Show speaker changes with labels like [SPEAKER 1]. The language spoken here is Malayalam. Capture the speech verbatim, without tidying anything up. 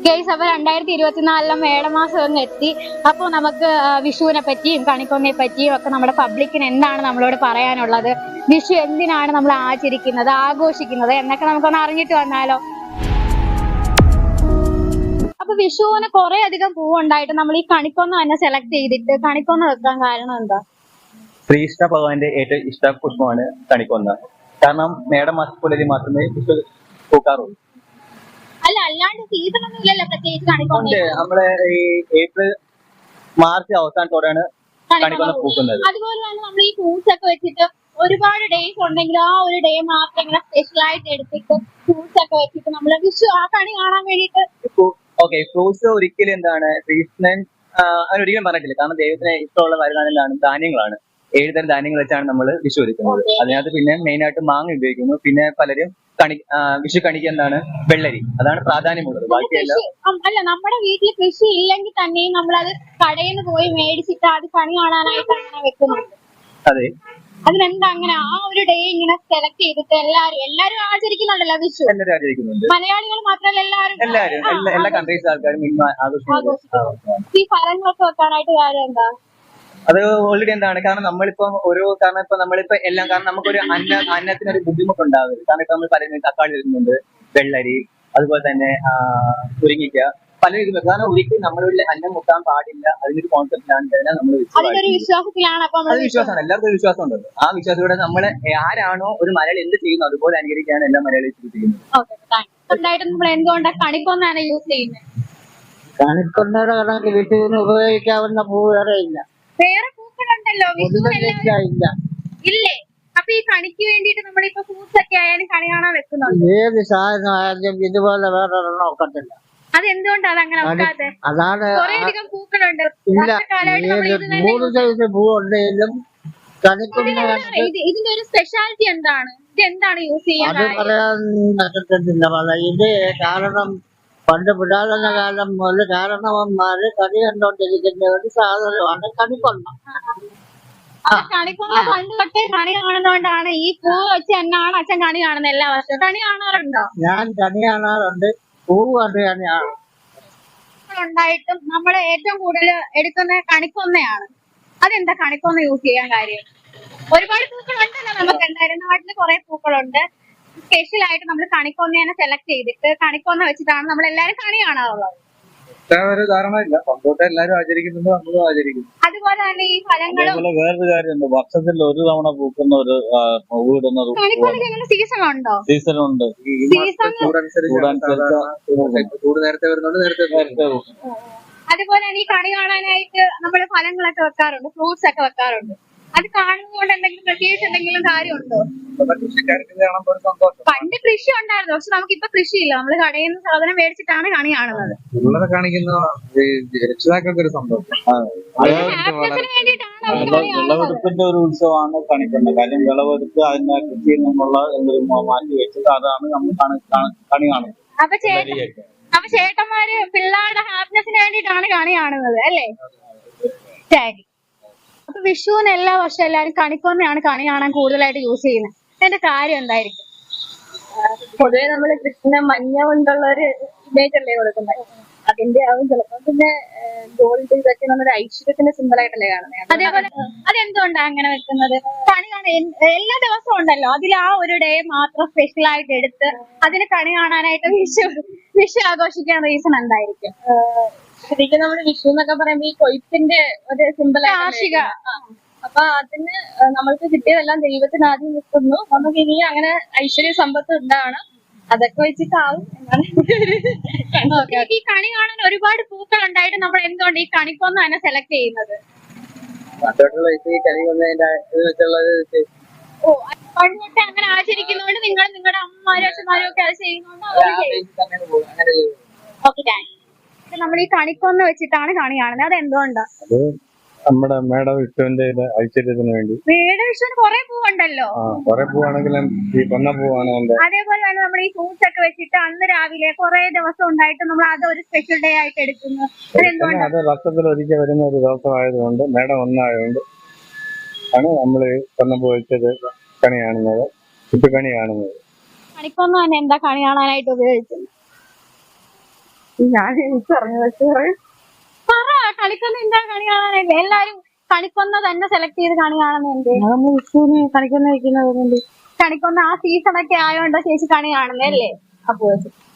[SPEAKER 1] ഗൈസ്, അപ്പൊ രണ്ടായിരത്തി ഇരുപത്തിനാലിലെ മേടമാസം അങ്ങ് എത്തി. അപ്പൊ നമുക്ക് വിഷുവിനെ പറ്റിയും കണിക്കൊന്നയെ പറ്റിയും ഒക്കെ നമ്മുടെ പബ്ലിക്കിന് എന്താണ് നമ്മളോട് പറയാനുള്ളത്, വിഷു എന്തിനാണ് നമ്മൾ ആചരിക്കുന്നത്, ആഘോഷിക്കുന്നത് എന്നൊക്കെ നമുക്കൊന്ന് അറിഞ്ഞിട്ട് വന്നാലോ. അപ്പൊ വിഷുവിന് കുറെ അധികം പൂവുണ്ടായിട്ട് നമ്മൾ ഈ കണിക്കൊന്ന തന്നെ സെലക്ട് ചെയ്തിട്ട് കണിക്കൊന്ന വെക്കാൻ കാരണം എന്താ?
[SPEAKER 2] ശ്രീകൃഷ്ണ ഭഗവാന്റെ ഏറ്റവും ഇഷ്ട പുഷ്പമാണ് കണിക്കൊന്ന. കാരണം മേടമാസപ്പുലരിൽ മാത്രമേ വിഷു പൂക്കാറുള്ളൂ.
[SPEAKER 1] അല്ല, അല്ലാണ്ട് സീസൺ ഒന്നും ഇല്ലല്ലോ പ്രത്യേകിച്ച് കണിക്കൊന്ന.
[SPEAKER 2] നമ്മള് ഈ ഏപ്രിൽ മാർച്ച് അവസാനത്തോടെയാണ് കണിക്കൊന്ന പൂക്കുന്നത്.
[SPEAKER 1] അതുപോലെ തന്നെ നമ്മൾ ഈ ഫ്രൂട്ട്സ് ഒക്കെ വെച്ചിട്ട് ഒരുപാട് ഡേയ്സ് ഉണ്ടെങ്കിൽ ആ ഒരു ഡേ മാത്രം ഇങ്ങനെ സ്പെഷ്യൽ ആയിട്ട് എടുത്തിട്ട് ഫ്രൂട്ട്സ് ഒക്കെ വെച്ചിട്ട് നമ്മൾ വിഷു ആ കണി കാണാൻ വേണ്ടിട്ട്.
[SPEAKER 2] ഓക്കെ, ഫ്രൂട്ട്സ് ഒരിക്കലും എന്താണ് കൃഷ്ണൻ അങ്ങനെ ഒരിക്കലും പറഞ്ഞിട്ടില്ല. കാരണം ദൈവത്തിന് ഇഷ്ടമുള്ള വരുമാനങ്ങളാണ് ധാന്യങ്ങളാണ്. ഏഴ് തരം ധാന്യങ്ങൾ വെച്ചാണ് നമ്മൾ വിഷു ഒരുക്കുന്നത്. അതിനകത്ത് പിന്നെ മെയിൻ ആയിട്ട് മാങ്ങ ഉപയോഗിക്കുന്നു. പിന്നെ പലരും കണി വിഷു കണിക്ക് എന്താണ് വെള്ളരി, അതാണ് പ്രാധാന്യമുള്ളത്. ബാക്കിയെല്ലാം
[SPEAKER 1] അല്ല, നമ്മുടെ വീട്ടിൽ കൃഷി ഇല്ലെങ്കിൽ തന്നെയും നമ്മളത് കടയിൽ നിന്ന് പോയി മേടിച്ചിട്ട് അത് കണി കാണാനായിട്ട് അങ്ങനെ വെക്കുന്നുണ്ട്.
[SPEAKER 2] അതെ,
[SPEAKER 1] അതിനെന്താ അങ്ങനെ ആ ഒരു ഡേ ഇങ്ങനെ സെലക്ട് ചെയ്തിട്ട് എല്ലാരും എല്ലാരും ആചരിക്കുന്നുണ്ടല്ലോ വിഷു?
[SPEAKER 2] എല്ലാവരും ആചരിക്കുന്നുണ്ട്.
[SPEAKER 1] മലയാളികൾ മാത്രമല്ല, എല്ലാവരും
[SPEAKER 2] എല്ലാവരും എല്ലാ കൺട്രീസ് ആൾക്കാരും ആഘോഷിക്കുന്നു.
[SPEAKER 1] ഈ ഫലങ്ങളൊക്കെ വെക്കാനായിട്ട് കാര്യം എന്താ?
[SPEAKER 2] അത് ഓൾറെഡി എന്താണ്, കാരണം നമ്മളിപ്പം ഒരു കാരണം ഇപ്പൊ നമ്മളിപ്പോ എല്ലാം കാരണം നമുക്കൊരു അന്ന അന്നത്തിനൊരു ബുദ്ധിമുട്ടുണ്ടാവരുത്. കാരണം ഇപ്പൊ നമ്മൾ പറയുന്നത് തക്കാളി വരുന്നുണ്ട്, വെള്ളരി, അതുപോലെ തന്നെ മുരിങ്ങിക്ക, പല രീതിയിൽ. കാരണം ഒരിക്കലും നമ്മളൊരു അന്നം മുട്ടാൻ പാടില്ല. അതിനൊരു കോൺസെപ്റ്റിലാണ് നമ്മൾ
[SPEAKER 1] വിശ്വാസത്തിലാണ്.
[SPEAKER 2] അത് വിശ്വാസമാണ്, എല്ലാവർക്കും വിശ്വാസം ഉണ്ടല്ലോ. ആ വിശ്വാസത്തോടെ നമ്മൾ ആരാണോ ഒരു മലയാളി എന്ത് ചെയ്യുന്നു അതുപോലെ അനുകരിക്കാണ് എല്ലാ മലയാളികളും ചെയ്യുന്നത്.
[SPEAKER 1] എന്തുകൊണ്ടാണ് കണിക്കൊന്നാണ് യൂസ് ചെയ്യുന്നത്?
[SPEAKER 3] കണിക്കൊന്നയുടെ കണക്ക് വിഷുവിന് ഉപയോഗിക്കാവുന്ന പൂ വേറെ ഇല്ല.
[SPEAKER 1] വേറെ പൂക്കളുണ്ടല്ലോ ഇല്ല ഇല്ലേ? അപ്പൊ ഈ കണിക്ക് വേണ്ടിട്ട് നമ്മളിപ്പോ ഫ്രൂട്ട്സ് ഒക്കെ ആയാലും കണി കാണാൻ വെക്കുന്നുണ്ട്.
[SPEAKER 3] ഏത് സാധനം ആയാലും ഇതുപോലെ വേറെ ഒരെണ്ണം ഒക്കത്തില്ല.
[SPEAKER 1] അതെന്തുകൊണ്ടാണ് അങ്ങനെ വെക്കാതെ?
[SPEAKER 3] അതാണ്
[SPEAKER 1] കുറേയധികം പൂക്കളുണ്ട്.
[SPEAKER 3] മൂന്ന് സൈസ് പൂ ഉണ്ടെങ്കിലും കണിക്കൊന്ന
[SPEAKER 1] ഇതിന്റെ ഒരു സ്പെഷ്യാലിറ്റി എന്താണ്? ഇത് എന്താണ് യൂസ് ചെയ്യാൻ?
[SPEAKER 3] അത് പറയാൻ പറ്റത്തില്ല. ഇത് കാരണം പണ്ട് പുരാതന കാലം മുതൽ കാരണവന്മാര് കണി കണ്ടോണ്ടിരിക്കുന്ന ഒരു സാധനമാണ് കണിക്കൊന്ന.
[SPEAKER 1] കണിക്കൊന്ന പണ്ട് തൊട്ടേ കണി കാണുന്നോണ്ടാണ് ഈ പൂ വെച്ച് എന്നാണ് അച്ഛൻ കണി കാണുന്നത് എല്ലാ വർഷവും. കണി കാണാറുണ്ടോ?
[SPEAKER 3] ഞാൻ കണി കാണാറുണ്ട്, പൂ കണ്ട് കണിയാണ്.
[SPEAKER 1] ഉണ്ടായിട്ടും നമ്മൾ ഏറ്റവും കൂടുതൽ എടുക്കുന്ന കണിക്കൊന്നയാണ്. അതെന്താ കണിക്കൊന്ന യൂസ് ചെയ്യാൻ കാര്യം? ഒരുപാട് പൂക്കളുണ്ടല്ലോ നമുക്ക്. എന്തായാലും നാട്ടില് കുറെ പൂക്കളുണ്ട്. സ്പെഷ്യൽ ആയിട്ട് നമ്മൾ കണിക്കൊന്നേനെ സെലക്ട് ചെയ്തിട്ട് കണിക്കൊന്ന വെച്ചിട്ടാണ് നമ്മൾ എല്ലാരും കണി കാണാറുള്ളത്.
[SPEAKER 2] എല്ലാവരും ആചരിക്കുന്നുണ്ട്, നമ്മളും ആചരിക്കുന്നു.
[SPEAKER 1] അതുപോലെ തന്നെ ഈ ഫലങ്ങളും
[SPEAKER 4] വേറൊരു കാര്യമുണ്ട്, വർഷത്തിൽ ഒരു തവണ പൂക്കുന്ന ഒരു പൂവിടുന്ന
[SPEAKER 1] സീസൺ ഉണ്ടോ?
[SPEAKER 4] സീസൺ ഉണ്ട്.
[SPEAKER 2] ചൂട് നേരത്തെ വരുന്നുണ്ട്, നേരത്തെ നേരത്തെ.
[SPEAKER 1] അതുപോലെ തന്നെ ഈ കണി കാണാനായിട്ട് നമ്മൾ ഫലങ്ങളൊക്കെ വെക്കാറുണ്ട്, ഫ്രൂട്ട്സ് ഒക്കെ വെക്കാറുണ്ട്. അത് കാണുന്നതുകൊണ്ട് എന്തെങ്കിലും പ്രത്യേകിച്ച് എന്തെങ്കിലും കാര്യമുണ്ടോ? പണ്ട് കൃഷി ഉണ്ടായിരുന്നു, പക്ഷെ നമുക്ക് ഇപ്പൊ കൃഷിയില്ല. നമ്മള് കടയിൽ നിന്ന് സാധനം മേടിച്ചിട്ടാണ് കണി കാണുന്നത്.
[SPEAKER 4] രക്ഷിതാക്കൾക്ക് ഒരു സന്തോഷം. വിളവെടുപ്പിന്റെ ഒരു ഉത്സവമാണ് കണിക്കൊന്ന. കാര്യം വിളവെടുത്ത് അതിന്റെ കൃഷിയിൽ നിന്നുള്ള എന്തെങ്കിലും മാറ്റി വെച്ചിട്ട് അതാണ് നമ്മൾ കണി കാണുന്നത്.
[SPEAKER 1] അപ്പൊ ചേട്ടൻ അപ്പൊ ചേട്ടന്മാര് പിള്ളേരുടെ ഹാപ്പിനെസിന് വേണ്ടിയിട്ടാണ് കണി കാണുന്നത് അല്ലേ? ശരി. അപ്പൊ വിഷുവിന് എല്ലാ വർഷവും എല്ലാവരും കണിക്കൊന്നയാണ് കണി കാണാൻ കൂടുതലായിട്ട് യൂസ് ചെയ്യുന്നത്. അതിന്റെ കാര്യം എന്തായിരിക്കും?
[SPEAKER 5] പൊതുവെ നമ്മള് കൃഷ്ണ മഞ്ഞ കൊണ്ടുള്ള ഒരു ഇമേജ് അല്ലേ കൊടുക്കുന്നത്, അതിന്റെ ആവും ചിലപ്പോ. പിന്നെ ഗോൾഡ് ഇതൊക്കെ നമ്മുടെ ഐശ്വര്യത്തിന്റെ സിമ്പിൾ ആയിട്ടല്ലേ കാണുന്നത്.
[SPEAKER 1] അതേപോലെ അതെന്തുകൊണ്ടാണ് അങ്ങനെ വെക്കുന്നത്? കണി കാണാൻ എല്ലാ ദിവസവും ഉണ്ടല്ലോ, അതിൽ ആ ഒരു ഡേ മാത്രം സ്പെഷ്യൽ ആയിട്ട് എടുത്ത് അതിന് കണി കാണാനായിട്ട് വിഷു വിഷു ആഘോഷിക്കാൻ റീസൺ എന്തായിരിക്കും?
[SPEAKER 5] ശരിക്കും നമ്മള് വിഷു എന്നൊക്കെ പറയുമ്പോ ഈ കൊയ്ത്തിന്റെ ഒരു സിമ്പിൾ
[SPEAKER 1] കാർഷിക.
[SPEAKER 5] അപ്പൊ അതിന് നമ്മൾക്ക് കിട്ടിയതെല്ലാം ദൈവത്തിന് ആദ്യം നിൽക്കുന്നു, നമുക്ക് ഇനി അങ്ങനെ ഐശ്വര്യ സമ്പത്ത് ഉണ്ടാവണം, അതൊക്കെ വെച്ചിട്ടാവും എന്നാണ്.
[SPEAKER 1] ഈ കണി കാണാൻ ഒരുപാട് പൂക്കൾ ഉണ്ടായിട്ട് നമ്മൾ എന്തുകൊണ്ട് ഈ കണിക്കൊന്ന തന്നെ സെലക്ട് ചെയ്യുന്നത്? ഓ, പണ്ട് തൊട്ട് അങ്ങനെ ആചരിക്കുന്നതുകൊണ്ട് നിങ്ങൾ നിങ്ങളുടെ അമ്മമാരും അച്ഛന്മാരും ഒക്കെ അത് ചെയ്യുന്നതുകൊണ്ട് ഓക്കെ. Thank you. നമ്മൾ ഈ കണിക്കൊന്ന വെച്ചിട്ടാണ് കണി കാണുന്നത്, അത് എന്തുകൊണ്ടാ?
[SPEAKER 4] നമ്മുടെ മേട വിഷുവിന്റെ ഐശ്വര്യത്തിന് വേണ്ടി.
[SPEAKER 1] മേട വിഷുവിന് കുറെ പൂവുണ്ടല്ലോ.
[SPEAKER 4] കുറെ പൂവാണെങ്കിലും ഈ കൊന്ന പൂവാണ് എന്റെ.
[SPEAKER 1] അതേപോലെ തന്നെ നമ്മൾ ഈ ഫ്രൂട്ട്സ് ഒക്കെ വെച്ചിട്ട് അന്ന് രാവിലെ കുറെ ദിവസം ഉണ്ടായിട്ട് നമ്മൾ അത് ഒരു സ്പെഷ്യൽ ഡേ ആയിട്ട് എടുക്കുന്നു.
[SPEAKER 4] അത് വർഷത്തിൽ ഒരിക്കൽ വരുന്ന ഒരു ദിവസം ആയതുകൊണ്ട് മേടം ഒന്നായതുകൊണ്ട് ആണ് നമ്മൾ കൊന്നപ്പൂ വെച്ചത് കണി കാണുന്നത്, വിഷു കണി കാണുന്നത്.
[SPEAKER 1] കണിക്കൊന്ന തന്നെ എന്താ കണി കാണാനായിട്ട് ഉപയോഗിക്കുന്നത്?
[SPEAKER 5] ഞാൻ എനിക്കറിഞ്ഞു പക്ഷേ
[SPEAKER 1] പറ കണിക്കൊന്ന എന്താ കണി കാണാനല്ലേ എല്ലാരും കണിക്കൊന്ന തന്നെ സെലക്ട് ചെയ്ത് കണി കാണുന്നുണ്ട്.
[SPEAKER 5] നമ്മൾ വിഷുവിന് കണിക്കൊന്ന വെക്കുന്നത്
[SPEAKER 1] കണിക്കൊന്ന ആ സീസൺ ഒക്കെ ആയോണ്ടോ ചേച്ചി കണി കാണുന്നല്ലേ?
[SPEAKER 5] അപ്പോ